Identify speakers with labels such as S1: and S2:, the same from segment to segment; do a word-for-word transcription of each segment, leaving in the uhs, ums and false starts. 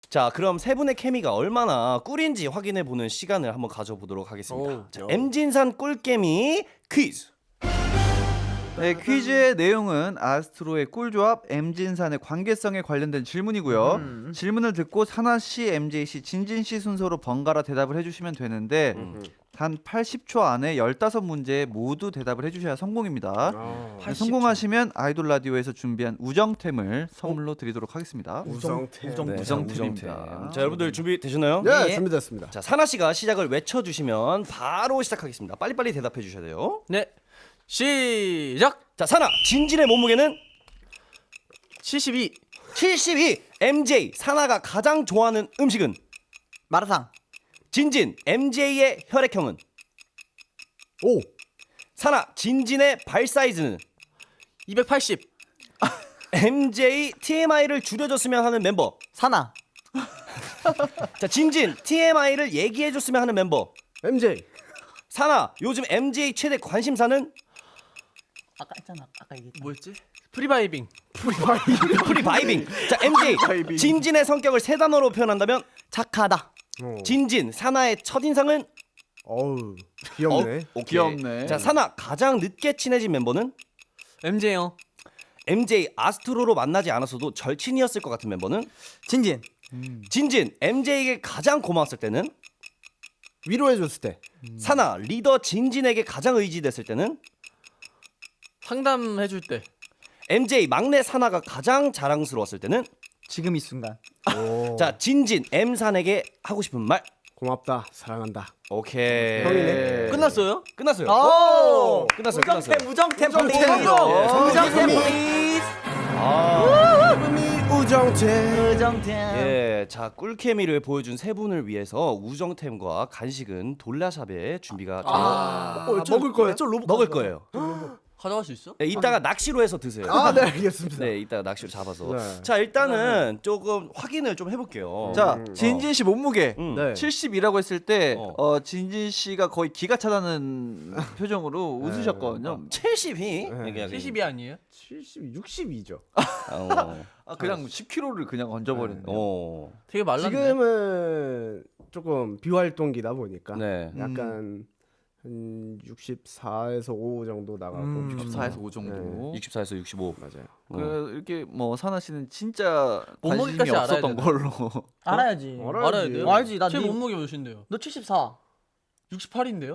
S1: 자, 그럼 세 분의 케미가 얼마나 꿀인지 확인해 보는 시간을 한번 가져보도록 하겠습니다.
S2: 오,
S1: 자,
S2: 요.
S1: 엠진산 꿀케미 퀴즈.
S3: 네, 퀴즈의 내용은 아스트로의 꿀조합 엠진산의 관계성에 관련된 질문이고요.
S2: 음.
S3: 질문을 듣고 사나 씨, 엠제이 씨, 진진 씨 순서로 번갈아 대답을 해주시면 되는데
S1: 음.
S3: 단 팔십 초 안에 십오 문제에 모두 대답을 해주셔야 성공입니다.
S2: 아,
S3: 네, 성공하시면 아이돌 라디오에서 준비한 우정템을 선물로 드리도록 하겠습니다.
S2: 우정템.
S3: 우정-
S1: 네,
S3: 우정템입니다.
S1: 우정템. 자, 여러분들 준비 되셨나요?
S2: 네,
S4: 예.
S2: 준비됐습니다.
S1: 자, 사나 씨가 시작을 외쳐 주시면 바로 시작하겠습니다. 빨리빨리 대답해 주셔야 돼요.
S4: 네. 시작.
S1: 자, 사나 진진의 몸무게는
S4: 칠십이.
S1: 칠십이. 엠제이 사나가 가장 좋아하는 음식은
S4: 마라탕.
S1: 진진 엠제이의 혈액형은
S2: 오,
S1: 사나 진진의 발 사이즈는
S4: 이백팔십.
S1: 엠제이 티엠아이를 줄여줬으면 하는 멤버.
S4: 사나.
S1: 자, 진진 티엠아이를 얘기해줬으면 하는 멤버.
S2: 엠제이.
S1: 사나 요즘 엠제이 최대 관심사는
S5: 아까 했잖아. 아까 얘기했잖아.
S4: 뭐였지? 프리바이빙.
S1: 프리바이빙. 자, 엠제이 진진의 성격을 세 단어로 표현한다면
S5: 착하다.
S2: 어.
S1: 진진 사나의 첫인상은
S2: 어우, 귀엽네.
S1: 어, 오케이.
S3: 귀엽네.
S1: 자, 사나 가장 늦게 친해진 멤버는
S4: 엠제이 형.
S1: 엠제이 아스트로로 만나지 않았어도 절친이었을 것 같은 멤버는
S5: 진진.
S1: 진진 엠제이에게 가장 고마웠을 때는
S2: 위로해줬을 때.
S1: 사나 리더 진진에게 가장 의지됐을 때는
S4: 상담해줄 때.
S1: 엠제이 막내 사나가 가장 자랑스러웠을 때는
S5: 지금 이 순간.
S2: 오,
S1: 자, 진진 엠산에게 하고 싶은 말.
S2: 고맙다, 사랑한다.
S1: 오케이.
S2: 형이네.
S4: 끝났어요?
S1: 끝났어요.
S5: 오!
S1: 끝났어요. 끝났어요.
S5: 우정템
S2: 우정템.
S5: 플리즈.
S2: 어,
S5: 우정템
S2: 우정템.
S5: 플리즈.
S1: 아,
S2: 음이 우정템.
S5: 우정템.
S1: 예, 자, 꿀케미를 보여준 세 분을 위해서 우정템과 간식은 돌라샵에 준비가 되어
S2: 아, 어, 저-
S5: 먹을 거예요?
S2: 저 로봇
S1: 먹을 거예요.
S4: 가져갈 수 있어?
S1: 네, 이따가 낚시로 해서 드세요.
S2: 아, 네, 알겠습니다.
S1: 네, 이따가 낚시로 잡아서.
S2: 네.
S1: 자, 일단은 조금 확인을 좀 해볼게요.
S3: 자,
S2: 음,
S3: 진진 씨 몸무게
S1: 음.
S2: 네.
S3: 칠십이라고 했을 때
S1: 어.
S3: 어, 진진 씨가 거의 기가 차다는 표정으로 웃으셨거든요.
S1: 칠십이.
S2: 네.
S4: 칠십이 아니에요?
S2: 칠십, 육십이죠.
S1: 어.
S3: 아, 그냥 십 킬로그램를 그냥 얹어버렸네요.
S1: 어.
S4: 되게 말랐네.
S2: 지금은 조금 비활동기다 보니까
S1: 네.
S2: 약간 한 육십사에서 오 정도 나가고
S5: 음.
S3: 육십사에서 오 정도.
S2: 네.
S1: 육십사에서 육십오.
S2: 맞아요.
S1: 어.
S3: 그 이렇게 뭐 사나 씨는 진짜 관심이
S4: 몸무게까지 알아야
S3: 없었던
S4: 되나?
S3: 걸로.
S5: 알아야지.
S2: 알아야지.
S4: 알아야 돼요?
S5: 알지. 나
S4: 제
S5: 네-
S4: 몸무게 몇인데요?
S5: 너 칠십사.
S4: 육십팔인데요?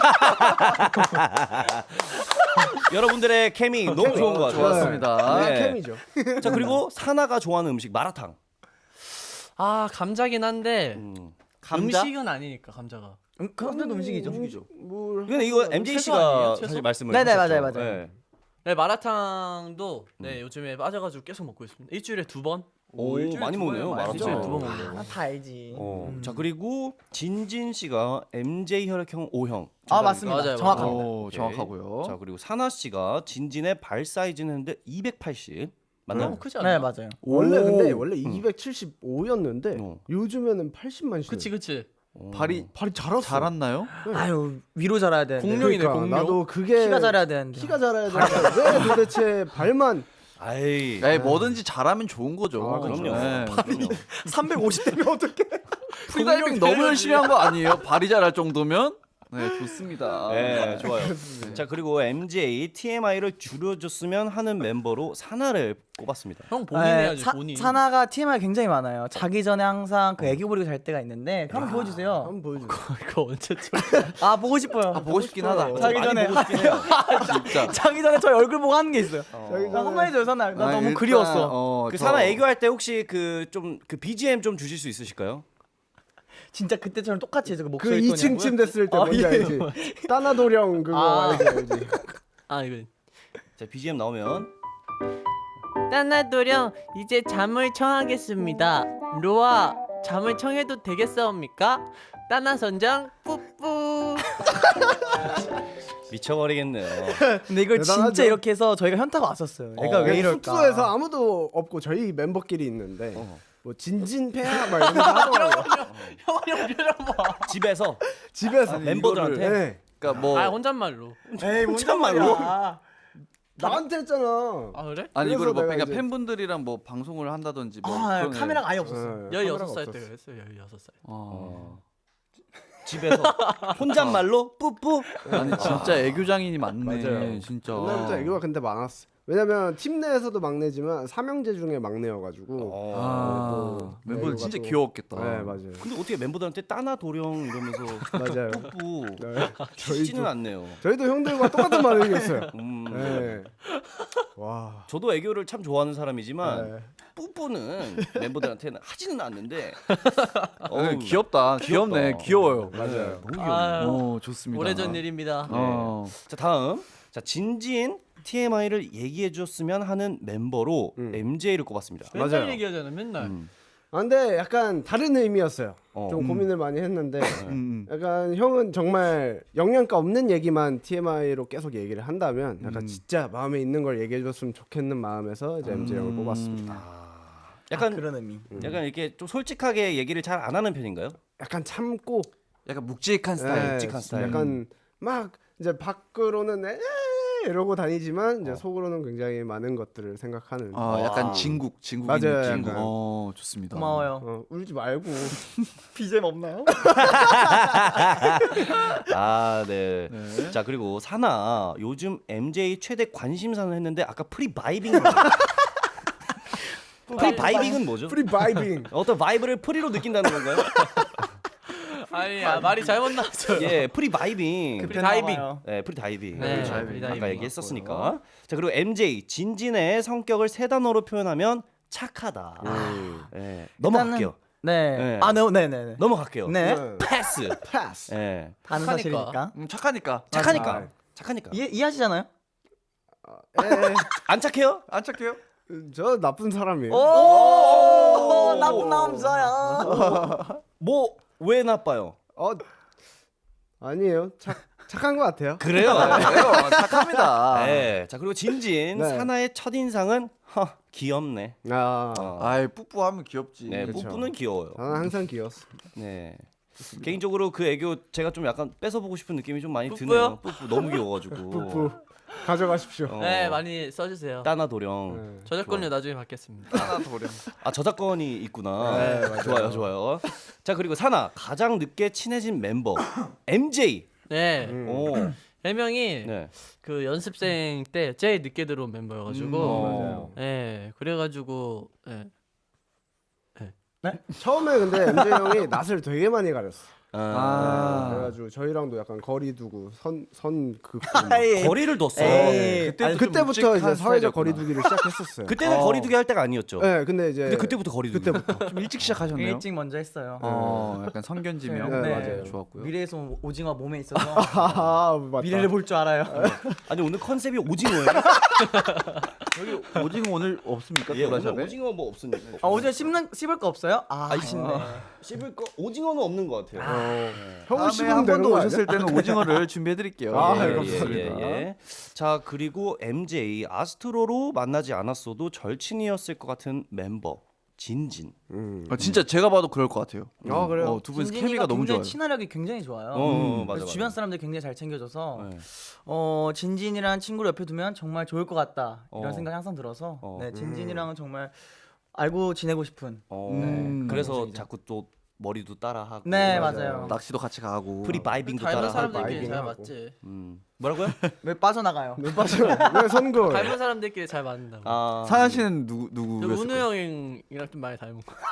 S1: 여러분들의 케미 너무 좋은 것 같아요.
S3: 좋았습니다.
S1: 네.
S2: 캠이죠.
S1: 자, 그리고 사나가 좋아하는 음식 마라탕.
S4: 아 감자긴 한데
S1: 음.
S3: 감자?
S4: 음식은 아니니까 감자가.
S5: 음, 그런데도 음식이죠.
S2: 뭐
S1: 근데 이거 엠제이
S4: 채소
S1: 씨가
S4: 아니에요? 채소?
S1: 사실 말씀을
S5: 네네,
S1: 하셨죠.
S5: 맞아요, 맞아요.
S1: 네.
S4: 네 마라탕도 네 요즘에 빠져가지고 계속 먹고 있습니다. 일주일에 두 번.
S1: 오,
S3: 일주일에
S1: 많이
S3: 두
S1: 먹네요.
S3: 번이면 많이
S4: 일주일에
S1: 마라탕.
S4: 두 번 먹네요.
S5: 아, 다 알지.
S1: 어.
S5: 음.
S1: 자, 그리고 진진 씨가 엠제이 혈액형 O형.
S5: 아, 맞습니다.
S4: 맞아요,
S5: 정확합니다.
S3: 오,
S1: 오케이.
S3: 정확하고요.
S1: 자, 그리고 사나 씨가 진진의 발 사이즈는 했는데 이백팔십. 맞나요?
S4: 너무 크지 않아요?
S5: 네, 맞아요.
S2: 원래
S1: 오.
S2: 근데 원래 이백칠십오였는데
S1: 어.
S2: 요즘에는 팔십만 시.
S4: 그치 그치.
S1: 어.
S3: 발이
S2: 발이 자랐어.
S3: 자랐나요?
S5: 아유, 위로 자라야 되는데.
S4: 공룡이네
S2: 그러니까
S4: 공룡.
S2: 나도 그게
S5: 키가 자라야 되는데.
S2: 키가 자라야 되는데 왜 도대체 발만
S1: 아이.
S3: 네, 뭐든지 잘하면 좋은 거죠.
S2: 아,
S1: 그럼요.
S3: 네.
S1: 그럼요.
S2: 삼백오십 되면 어떡해?
S3: 프리다이빙 너무 열심히 한 거 아니에요? 발이 자랄 정도면? 네, 좋습니다.
S1: 네, 좋아요. 자, 그리고 엠제이 티엠아이를 줄여줬으면 하는 멤버로 사나를 꼽았습니다.
S4: 형 본인
S5: 네,
S4: 해야지
S5: 사,
S4: 본인.
S5: 사나가 티엠아이 굉장히 많아요. 자기 전에 항상 그 애기 부리고 잘 때가 있는데 한번 보여주세요.
S2: 한번 보여줘.
S4: 이거 언제쯤?
S5: 아, 보고 싶어요.
S3: 아, 보고 싶긴 하다.
S5: 자기
S1: 많이
S5: 전에
S1: 보고 싶긴 해요.
S3: 진짜.
S5: 자기 전에 저희 얼굴 보고 하는 게 있어요.
S2: 자기
S5: 나 한 번 해줘요, 사나. 나
S3: 아,
S5: 너무
S3: 일단,
S5: 그리웠어.
S3: 어,
S1: 그
S3: 저-
S1: 사나 애교할 때 혹시 그 좀 그 비지엠 좀 주실 수 있으실까요?
S5: 진짜 그때처럼 똑같이 해서 그
S2: 그
S5: 목소리
S2: 이 층 침 됐을 때
S5: 아,
S2: 뭔지
S5: 예.
S2: 알지? 따나도령 그거
S5: 아.
S2: 알지 알지?
S4: 아 이거.
S1: 자, 비지엠 나오면
S6: 따나도령 이제 잠을 청하겠습니다. 로아 잠을 청해도 되겠사옵니까? 따나 선장 뿌뿌.
S1: 미쳐버리겠네요.
S5: 근데 이걸
S2: 대단하죠?
S5: 진짜 이렇게 해서 저희가 현타가 왔었어요. 애가
S1: 어.
S5: 왜 이럴까?
S2: 숙소에서 아무도 없고 저희 멤버끼리 있는데
S1: 어.
S2: 뭐 진진패야 막 이런 거 하더라고요.
S4: 형형 표정 봐.
S1: 집에서
S2: 집에서
S1: 멤버들한테
S2: 네.
S3: 그러니까 뭐
S4: 아 혼잣말로.
S5: 에이,
S1: 혼잣말로?
S5: 아,
S2: 나한테 했잖아.
S4: 아 그래?
S3: 아니
S2: 그래서
S3: 이거를 뭐
S2: 내가
S3: 그러니까
S2: 이제-
S3: 팬분들이랑 뭐 방송을 한다든지 뭐
S5: 아
S3: 그런
S5: 카메라가 아예 없었어요.
S2: 네,
S4: 열여섯
S2: 카메라가
S4: 살 때
S2: 없었어.
S4: 그랬어요. 열여섯 살.
S3: 어.
S1: 집에서 혼잣말로 뿌뿌.
S3: 아니 진짜 애교장인이 많네.
S2: 맞아요.
S3: 진짜.
S2: 옛날부터 애교가 근데 많았어. 왜냐면 팀 내에서도 막내지만 삼형제 중에 막내여가지고.
S3: 아,
S2: 또
S3: 멤버들
S2: 애교가
S3: 진짜
S2: 또-
S3: 귀여웠겠다.
S2: 네 맞아요.
S1: 근데 어떻게 멤버들한테 따나 도령 이러면서
S2: 맞아요.
S1: 뿌뿌
S2: 네.
S1: 치지는 않네요.
S2: 저희도 형들과 똑같은 반응이 있어요.
S1: 음.
S2: 네. 와.
S1: 저도 애교를 참 좋아하는 사람이지만
S2: 네.
S1: 뿌뿌는 멤버들한테는 하지는 않는데
S3: 어,
S1: 어우,
S3: 귀엽다. 귀엽네.
S1: 귀엽다.
S3: 귀여워요.
S2: 맞아요.
S1: 너무 귀여워.
S4: 아
S3: 어, 좋습니다.
S4: 오래전 일입니다.
S3: 어.
S1: 자 다음 자 진진 티엠아이를 얘기해 줬으면 하는 멤버로
S2: 음.
S1: 엠제이를 꼽았습니다.
S4: 맨날
S2: 맞아요.
S4: 얘기하잖아. 맨날.
S1: 음.
S2: 아, 근데 약간 다른 의미였어요.
S1: 어.
S2: 좀
S3: 음.
S2: 고민을 많이 했는데
S3: 음.
S2: 약간 형은 정말 영양가 없는 얘기만 티엠아이로 계속 얘기를 한다면 약간
S3: 음.
S2: 진짜 마음에 있는 걸 얘기해줬으면 좋겠는 마음에서 이제 엠제이 형을
S3: 음.
S2: 뽑았습니다.
S1: 약간
S5: 아, 그런 의미.
S1: 약간 이렇게 좀 솔직하게 얘기를 잘 안 하는 편인가요?
S2: 약간 참고
S3: 약간 묵직한 스타일.
S2: 네,
S1: 묵직한 스타일.
S2: 약간 막 이제 밖으로는 에 이러고 다니지만 이제
S1: 어.
S2: 속으로는 굉장히 많은 것들을 생각하는.
S3: 아, 약간
S1: 와.
S3: 진국, 진국인
S2: 맞아요,
S3: 느낌.
S2: 약간.
S3: 어, 좋습니다.
S5: 고마워요.
S2: 어, 울지 말고.
S5: 비잼 없나요?
S1: 아 네.
S3: 네.
S1: 자 그리고 사나 요즘 엠제이 최대 관심사는 했는데 아까 프리 바이빙 프리 바이빙은 뭐죠?
S2: 프리 바이빙.
S1: 어떤 바이브를 프리로 느낀다는 건가요?
S4: 아니 아, 말이 잘못 나왔어요.
S1: 예, 프리 바이빙.
S4: 프리 다이빙.
S1: 네, 프리 다이빙.
S4: 네,
S1: 그렇죠.
S4: 프리 다이빙
S1: 아까 얘기했었으니까. 자 그리고 엠제이 진진의 성격을 세 단어로 표현하면 착하다.
S2: 음.
S1: 예, 넘어갈게요.
S5: 네.
S1: 네.
S5: 아, 네, 네, 네.
S1: 넘어갈게요.
S5: 네.
S2: 네.
S1: 패스.
S2: 패스.
S1: 예,
S5: 다는
S4: 착하니까.
S5: 사실이니까.
S3: 음, 착하니까.
S1: 착하니까.
S2: 아.
S1: 착하니까.
S5: 이해 이해하시잖아요?
S2: 에,
S1: 안 착해요?
S3: 안 착해요?
S2: 저 나쁜 사람이에요.
S5: 오, 나쁜 남자야.
S1: 뭐 왜 나빠요?
S2: 어 아니에요. 착 착한 것 같아요.
S1: 그래요.
S3: 그래요. 착합니다.
S1: 네. 자 그리고 진진
S2: 네.
S1: 사나의 첫 인상은 허 귀엽네.
S2: 아,
S1: 어.
S3: 아이, 뿌뿌하면 귀엽지.
S1: 네,
S2: 그쵸.
S1: 뽀뽀는 귀여워요.
S2: 저는 항상 귀여웠어.
S1: 네. 개인적으로 그 애교 제가 좀 약간 뺏어보고 싶은 느낌이 좀 많이
S4: 뿌뿌요?
S1: 드네요. 뿌뿌 너무 귀여워가지고.
S2: 뿌뿌 가져가십시오.
S1: 어,
S4: 네 많이 써주세요.
S1: 따나 도령.
S2: 네.
S4: 저작권료 나중에 받겠습니다.
S3: 하나 도령.
S1: 아 저작권이 있구나.
S2: 네, 맞아요.
S1: 좋아요, 좋아요. 자 그리고 사나 가장 늦게 친해진 멤버 엠제이.
S4: 네.
S2: 음.
S1: 오.
S4: 해명이
S1: 네.
S4: 그 연습생 때 제일 늦게 들어온 멤버여가지고.
S3: 음,
S2: 맞아요.
S4: 네. 그래가지고 네.
S2: 처음에 근데 엠제이 형이 낯을 되게 많이 가렸어.
S1: 아,
S3: 아.
S2: 그래가지고 저희랑도 약간 거리 두고 선선 그
S5: 아이,
S1: 거리를 뒀어.
S5: 에이.
S3: 그때
S5: 아니,
S2: 그때부터 이제
S3: 묵직한
S2: 사회적
S3: 스타일이었구나.
S2: 거리 두기를 시작했었어요.
S1: 그때는
S3: 어.
S1: 거리두기 할 때가 아니었죠.
S2: 네, 근데 이제
S1: 근데 그때부터 거리두기.
S2: 그때부터
S3: 좀 일찍 시작하셨네요.
S5: 일찍 먼저 했어요.
S3: 어, 약간 성견지명.
S2: 네,
S5: 네.
S2: 맞아요.
S3: 좋았고요.
S5: 미래에서 온 오징어 몸에 있어서
S2: 아, 맞다.
S5: 미래를 볼 줄 알아요.
S1: 아니 오늘 컨셉이 오징어예요.
S3: 여기 오징어 오늘 없습니까?
S1: 예, 오늘
S3: 도라샵에?
S1: 오징어 뭐 없으니까.
S5: 아, 어제 씹는 씹을 거 없어요? 아, 아쉽네.
S1: 씹을 거 오징어는 없는 것 같아요.
S2: 어, 형은
S3: 다음에
S2: 씹으면
S3: 한 번
S2: 되는
S3: 더
S2: 거 아니야?
S3: 오셨을 때는 오징어를 준비해 드릴게요.
S2: 아,
S3: 예,
S2: 예,
S3: 예,
S2: 감사합니다.
S3: 예.
S1: 예. 자 그리고 엠제이 아스트로로 만나지 않았어도 절친이었을 것 같은 멤버 진진.
S2: 음.
S3: 어, 진짜 제가 봐도 그럴 것 같아요.
S2: 아, 그래요?
S3: 어, 두 분이서
S5: 진진이가
S3: 케미가 너무
S5: 굉장히
S3: 좋아요.
S5: 친화력이 굉장히 좋아요.
S1: 어, 어,
S5: 그래서
S1: 맞아, 맞아.
S5: 주변 사람들 굉장히 잘 챙겨줘서
S1: 네.
S5: 어 진진이랑 친구를 옆에 두면 정말 좋을 것 같다 이런
S1: 어.
S5: 생각이 항상 들어서
S1: 어.
S5: 네 진진이랑은 정말 알고 지내고 싶은
S1: 어,
S3: 음.
S1: 그래서 자꾸 또 머리도 따라하고.
S5: 네
S2: 맞아요.
S5: 맞아요.
S3: 낚시도 같이 가고.
S1: 프리 바이빙도
S4: 닮은
S1: 따라하고.
S4: 사람들끼리 잘
S2: 바이빙하고.
S4: 맞지.
S1: 음. 뭐라고요?
S5: 왜 빠져나가요?
S2: 왜 빠져? 왜 선거?
S4: 닮은 사람들끼리 잘 맞는다고.
S1: 아,
S3: 사연 씨는 누구
S4: 저
S3: 누구?
S4: 운우 형이랑 좀 많이 닮은 거.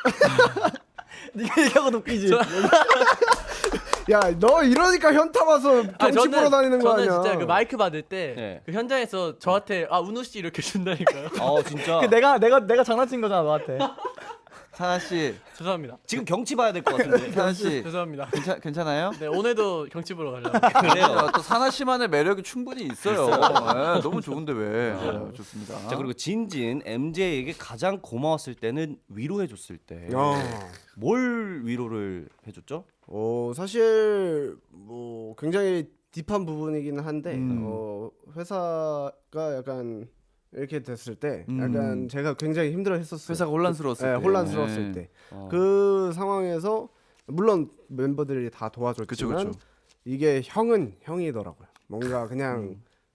S5: 네가 얘기하고 웃기지.
S2: 야, 너 이러니까 현타 와서
S4: 아,
S2: 정치 보러 다니는 거
S4: 저는
S2: 아니야?
S4: 진짜 그 마이크 받을 때
S1: 네.
S4: 그 현장에서 저한테 아 운우 씨 이렇게 준다니까요.
S1: 어 진짜.
S5: 그 내가 내가 내가 장난친 거잖아 너한테.
S3: 사연 씨,
S4: 죄송합니다.
S1: 지금 경치 봐야 될 것 같은데.
S3: 사연 씨,
S4: 죄송합니다.
S3: 괜찮 괜찮아요?
S4: 네 오늘도 경치 보러 가려고.
S1: 그래요.
S3: 아, 또 사나 씨만의 매력이 충분히 있어요. 네, 너무 좋은데 왜? 네, 좋습니다.
S1: 자 그리고 진진 엠제이에게 가장 고마웠을 때는 위로해줬을 때.
S2: 어.
S1: 뭘 위로를 해줬죠?
S2: 어, 사실 뭐 굉장히 딥한 부분이기는 한데
S3: 음.
S2: 어, 회사가 약간 이렇게 됐을 때
S3: 음.
S2: 약간 제가 굉장히 힘들어했었어요.
S3: 회사가 혼란스러웠을
S2: 네,
S3: 때.
S2: 혼란스러웠을
S3: 네.
S2: 때.
S1: 어.
S2: 그 상황에서 물론 멤버들이 다 도와줬지만
S3: 그쵸, 그쵸.
S2: 이게 형은 형이더라고요. 뭔가 그냥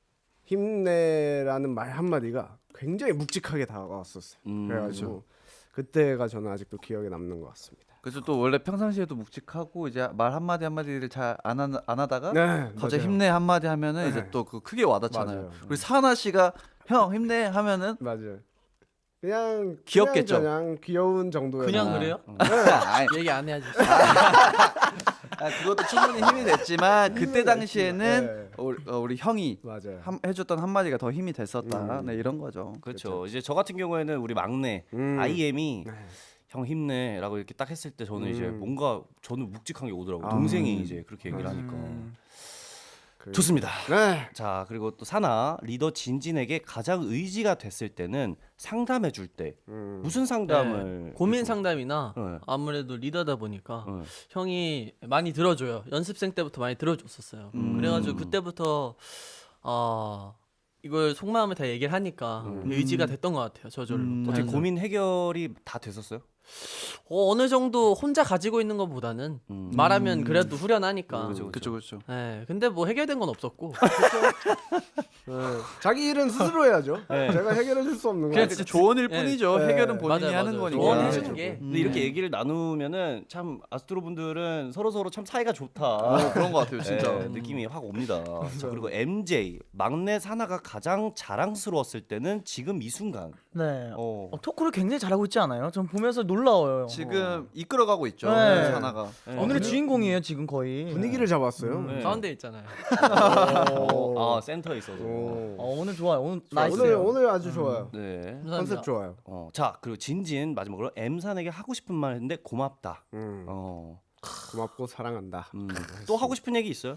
S2: 힘내라는 말 한마디가 굉장히 묵직하게 다가왔었어요.
S1: 음,
S2: 그래가지고 그때가 저는 아직도 기억에 남는 것 같습니다.
S3: 그래서 또 원래 평상시에도 묵직하고 이제 말 한마디 한마디를 잘 안 안 하다가
S2: 네,
S3: 갑자기
S2: 맞아요.
S3: 힘내 한마디 하면은
S2: 네.
S3: 이제 또 그 크게 와닿잖아요.
S2: 맞아요.
S3: 우리 사나 씨가 형 힘내 하면은
S2: 맞아요. 그냥
S3: 귀엽겠죠?
S2: 그냥, 그냥 귀여운 정도의
S4: 그냥
S3: 아.
S4: 그래요?
S3: 아니,
S4: 얘기 안 해야지.
S3: 아, 그것도 충분히 힘이 됐지만 그때 당시에는
S2: 네.
S3: 우리, 어, 우리 형이
S2: 맞아요.
S3: 한, 해줬던 한마디가 더 힘이 됐었다.
S2: 음.
S3: 네 이런 거죠.
S1: 그렇죠. 이제 저 같은 경우에는 우리 막내
S2: 음.
S1: 아이엠이
S2: 네.
S1: 형 힘내라고 이렇게 딱 했을 때 저는 이제
S2: 음.
S1: 뭔가 저는 묵직한 게 오더라고요.
S2: 아.
S1: 동생이 이제 그렇게 얘기를 하니까.
S2: 그-
S1: 좋습니다.
S2: 네.
S1: 자, 그리고 또 사나 리더 진진에게 가장 의지가 됐을 때는 상담해 줄 때
S2: 음.
S1: 무슨 상담을
S4: 네, 고민 상담이나
S1: 네.
S4: 아무래도 리더다 보니까
S1: 네.
S4: 형이 많이 들어줘요. 연습생 때부터 많이 들어줬었어요.
S1: 음.
S4: 그래가지고 그때부터 어, 이걸 속마음을 다 얘기를 하니까 의지가 됐던 것 같아요. 저절로.
S3: 음.
S1: 어떻게
S4: 자연스럽게.
S1: 고민 해결이 다 됐었어요?
S4: 어, 어느 정도 혼자 가지고 있는 것보다는
S1: 음.
S4: 말하면 그래도 후련하니까.
S1: 그죠,
S3: 그렇죠, 그렇죠.
S4: 네, 근데 뭐 해결된 건 없었고.
S2: 네. 자기 일은 스스로 해야죠.
S1: 네.
S2: 제가 해결해 줄 수 없는
S3: 그냥
S2: 거예요.
S3: 진짜 조언일
S4: 네.
S3: 뿐이죠.
S2: 네.
S3: 해결은 본인이
S4: 맞아요,
S3: 하는
S4: 맞아요.
S3: 거니까.
S4: 조언해
S2: 네.
S4: 주는 게.
S1: 근데 이렇게 얘기를 나누면은 참 아스트로 분들은 서로 서로 참 사이가 좋다.
S3: 어, 그런 것 같아요, 진짜.
S1: 네, 느낌이 확 옵니다. 자, 그리고 엠제이 막내 사나가 가장 자랑스러웠을 때는 지금 이 순간.
S5: 네.
S1: 어.
S5: 어, 토크를 굉장히 잘하고 있지 않아요? 전 보면서 놀라워요.
S3: 지금 이끌어가고 있죠.
S5: 네.
S3: 사나가.
S1: 네.
S5: 오늘의 주인공이에요 지금 거의.
S2: 분위기를 잡았어요.
S1: 네.
S4: 가운데 있잖아요.
S1: 어, 아 센터에 있어서.
S2: 오.
S5: 어, 오늘 좋아요. 오늘
S2: 자,
S5: 나이스.
S2: 오늘 오늘 아주 좋아요.
S1: 네.
S4: 감사합니다.
S2: 컨셉 좋아요.
S1: 어, 자 그리고 진진 마지막으로 M산에게 하고 싶은 말 했는데 고맙다.
S2: 음.
S1: 어,
S2: 고맙고 사랑한다.
S1: 음. 또 하고 싶은 얘기 있어요?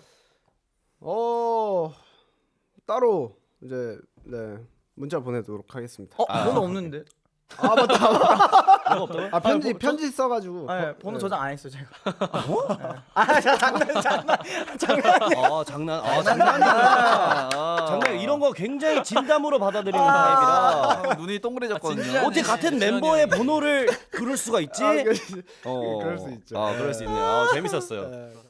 S2: 어 따로 이제 네 문자 보내도록 하겠습니다.
S5: 어, 번호 없는데.
S2: 아 맞다.
S1: 뭐가 없다고요?
S2: 아 편지
S5: 뭐,
S2: 편지 써가지고.
S5: 아,
S2: 어,
S5: 번호
S2: 네.
S5: 저장 안 했어요 제가. 네. 아, 자, 장난 장난.
S1: 아 장난, 아 장난이야. 장난 이런 거 굉장히 진담으로 받아들이는 타입이라.
S3: 아, 눈이 동그래졌거든요.
S4: 진짜.
S1: 어떻게 같은 멤버의 번호를 그럴 수가 있지?
S2: 아, 그,
S1: 어,
S2: 그럴 수 있죠.
S1: 아, 그럴 수 있네요. 아, 재밌었어요.
S2: 네.